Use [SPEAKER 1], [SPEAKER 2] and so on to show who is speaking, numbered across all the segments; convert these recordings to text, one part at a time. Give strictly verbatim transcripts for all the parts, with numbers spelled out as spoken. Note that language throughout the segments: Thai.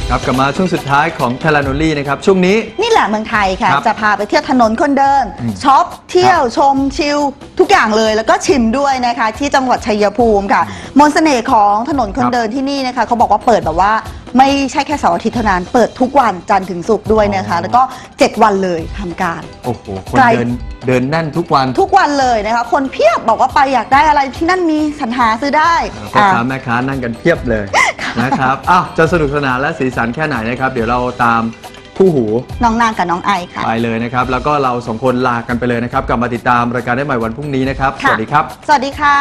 [SPEAKER 1] ครับกลับมาช่วงสุดท้ายของเทเลโนลี่นะครับช่วงนี้
[SPEAKER 2] นี่แหละเมืองไทยค่ะจะพาไปเที่ยวถนนคนเดินช็อปเที่ยวชมชิลทุกอย่างเลยแล้วก็ชิมด้วยนะคะที่จังหวัดชัยภูมิค่ะมนต์เสน่ห์ของถนนคนเดินที่นี่นะคะเขาบอกว่าเปิดแบบว่าไม่ใช่แค่เสาร์อาทิตย์เท่านั้นเปิดทุกวันจันทร์ถึงศุกร์ด้วยนะคะแล้วก็เจ็ดวันเลยทำการ
[SPEAKER 1] โอ้โหคนเดินเดินแน่นทุกวัน
[SPEAKER 2] ทุกวันเลยนะคะคนเพียบบอกว่าไปอยากได้อะไรที่นั่นมีสรรหาซื้อได้
[SPEAKER 1] พ่อค้าแม่ค้านั่งกันเพียบเลยนะครับอ้าวจะสนุกสนานและสีสันแค่ไหนนะครับเดี๋ยวเราตามคู่หู
[SPEAKER 2] น้องนางกับน้องไอค่ะ
[SPEAKER 1] ไปเลยนะครับแล้วก็เราสองคนลากันไปเลยนะครับกลับมาติดตามรายการได้ใหม่วันพรุ่งนี้นะครับสวัสดีครับ
[SPEAKER 2] สวัสดีค่ะ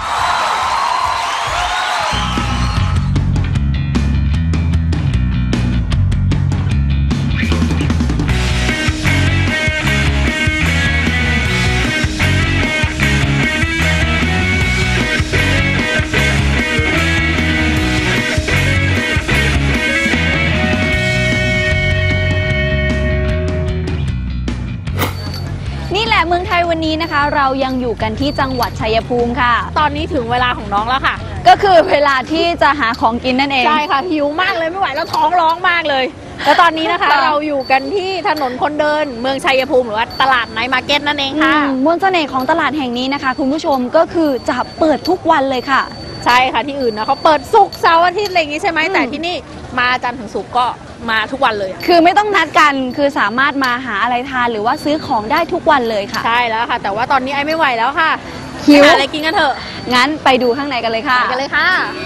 [SPEAKER 3] เมืองไทยวันนี้นะคะเรายังอยู่กันที่จังหวัดชัยภูมิค่ะ
[SPEAKER 4] ตอนนี้ถึงเวลาของน้องแล้วค่ะ
[SPEAKER 3] ก็คือเวลาที่จะหาของกินนั่นเอง
[SPEAKER 4] ใช่ค่ะหิวมากเลยไม่ไหวแล้วท้องร้องมากเลยแล้วตอนนี้นะคะ เราอยู่กันที่ถนนคนเดินเมืองชัยภูมิหรือว่าตลาดไนท์มาร์เก็ตนั่นเองค่ะ
[SPEAKER 3] มวลเสน่ห์ของตลาดแห่งนี้นะคะคุณผู้ชมก็คือจะเปิดทุกวันเลยค่ะ
[SPEAKER 4] ใช่ค่ะที่อื่นนะเขาเปิดศุกร์เสาร์อาทิตย์อะไรอย่างงี้ใช่ไหมแต่ที่นี่มาจันทร์ถึงศุกร์ก็มาทุกวันเลย
[SPEAKER 3] คือไม่ต้องนัดกันคือสามารถมาหาอะไรทานหรือว่าซื้อของได้ทุกวันเลยค่ะ
[SPEAKER 4] ใช่แล้วค่ะแต่ว่าตอนนี้ไอ้ไม่ไหวแล้วค่ะหิวหาอะไรกินกันเถอะ
[SPEAKER 3] งั้นไปดูข้างในกันเลยค่ะ
[SPEAKER 4] ไปกันเลยค่ะ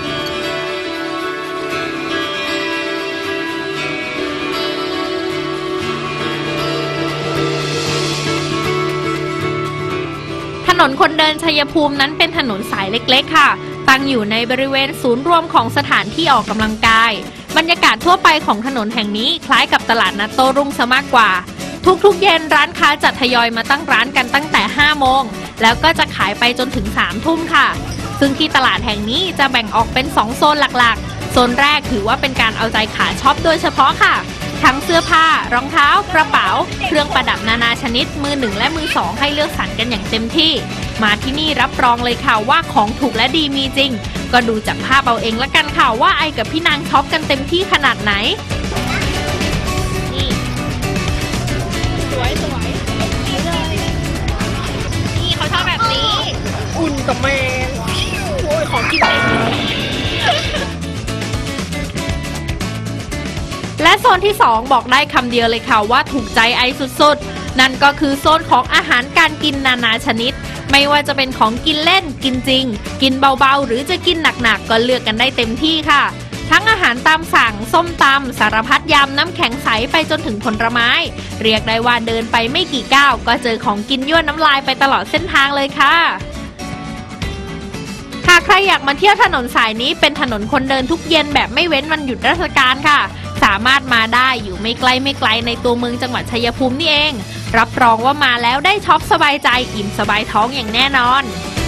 [SPEAKER 4] ถนนคนเดินชัยภูมินั้นเป็นถนนสายเล็กๆค่ะตั้งอยู่ในบริเวณศูนย์รวมของสถานที่ออกกำลังกายบรรยากาศทั่วไปของถนนแห่งนี้คล้ายกับตลาดนัดโต้รุ่งซะมากกว่าทุกๆเย็นร้านค้าจะทยอยมาตั้งร้านกันตั้งแต่ห้าโมงแล้วก็จะขายไปจนถึงสามทุ่มค่ะซึ่งที่ตลาดแห่งนี้จะแบ่งออกเป็นสองโซนหลักๆโซนแรกถือว่าเป็นการเอาใจขาช็อปโดยเฉพาะค่ะทั้งเสื้อผ้ารองเท้ากระเป๋าเครื่องประดับนานาชนิดมือหนึ่งและมือสองให้เลือกสรรกันอย่างเต็มที่มาที่นี่รับรองเลยค่ะว่าของถูกและดีมีจริงก็ดูจากภาพเอาเองละกันค่ะว่าไอกับพี่นางช็อปกันเต็มที่ขนาดไหนนี่สวยสวยนี่เลยนี่เขาชอบแบบนี้อุ่นกับแมงโอ้ยของกินเองและโซนที่สองบอกได้คำเดียวเลยค่ะว่าถูกใจไอสุดๆนั่นก็คือโซนของอาหารการกินนานาชนิดไม่ว่าจะเป็นของกินเล่นกินจริงกินเบาๆหรือจะกินหนักๆก็เลือกกันได้เต็มที่ค่ะทั้งอาหารตามสั่งส้มตำสารพัดยำน้ำแข็งใสไปจนถึงผลไม้เรียกได้ว่าเดินไปไม่กี่ก้าวก็เจอของกินยั่วน้ำลายไปตลอดเส้นทางเลยค่ะหากใครอยากมาเที่ยวถนนสายนี้เป็นถนนคนเดินทุกเย็นแบบไม่เว้นวันหยุดราชการค่ะสามารถมาได้อยู่ไม่ไกลไม่ไกลในตัวเมืองจังหวัดชัยภูมินี่เองรับรองว่ามาแล้วได้ช็อปสบายใจอิ่มสบายท้องอย่างแน่นอน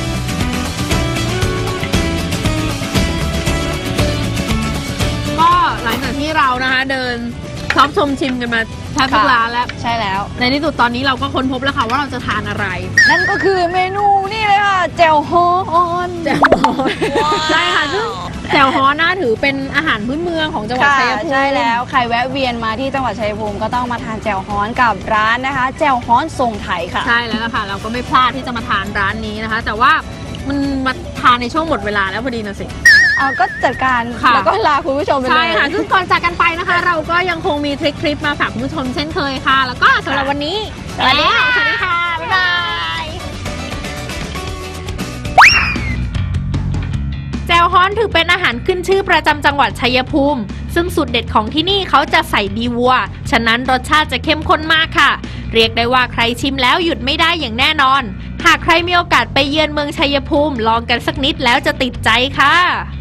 [SPEAKER 4] ก็หลังจากที่เรานะคะเดินช็อปชมชิมกันมาแทบทุกร้านแล้ว
[SPEAKER 3] ใช่แล้ว
[SPEAKER 4] ในที่สุดตอนนี้เราก็ค้นพบแล้วค่ะว่าเราจะทานอะไร
[SPEAKER 3] นั่นก็คือเมนูนี่เลยค่ะแจ่วฮ้อน
[SPEAKER 4] แจ่วฮ้อนใช่ค่ะซึ่งแจ่วฮ้อนน่าถือเป็นอาหารพื้นเมืองของจังหวัดชัยภูมิ
[SPEAKER 3] ใช่แล้วใครแวะเวียนมาที่จังหวัดชัยภูมิก็ต้องมาทานแจ่วฮ้อนกับร้านนะคะแจ่วฮ้อนทรงไทยค่ะ
[SPEAKER 4] ใช่แล้วค่ะเราก็ไม่พลาดที่จะมาทานร้านนี้นะคะแต่ว่ามันมาทานในช่วงหมดเวลาแล้วพอดีนะสิ
[SPEAKER 3] เอาก็จัดการแล้วก็ลาคุณผู้ชมไปเลย
[SPEAKER 4] ใช่ค่ะซึ่งก่อนจากกันไปนะคะเราก็ยังคงมีทริคคลิปมาฝากคุณผู้ชมเช่นเคยค่ะแล้วก็สำหรับวันนี้
[SPEAKER 3] สวัสดีค่ะ
[SPEAKER 4] สวัสดีค่ะบ๊ายบายแจ่วฮ้อนถือเป็นอาหารขึ้นชื่อประจำจังหวัดชัยภูมิซึ่งสูตรเด็ดของที่นี่เขาจะใส่ดีวัวฉะนั้นรสชาติจะเข้มข้นมากค่ะเรียกได้ว่าใครชิมแล้วหยุดไม่ได้อย่างแน่นอนหากใครมีโอกาสไปเยือนเมืองชัยภูมิลองกันสักนิดแล้วจะติดใจค่ะ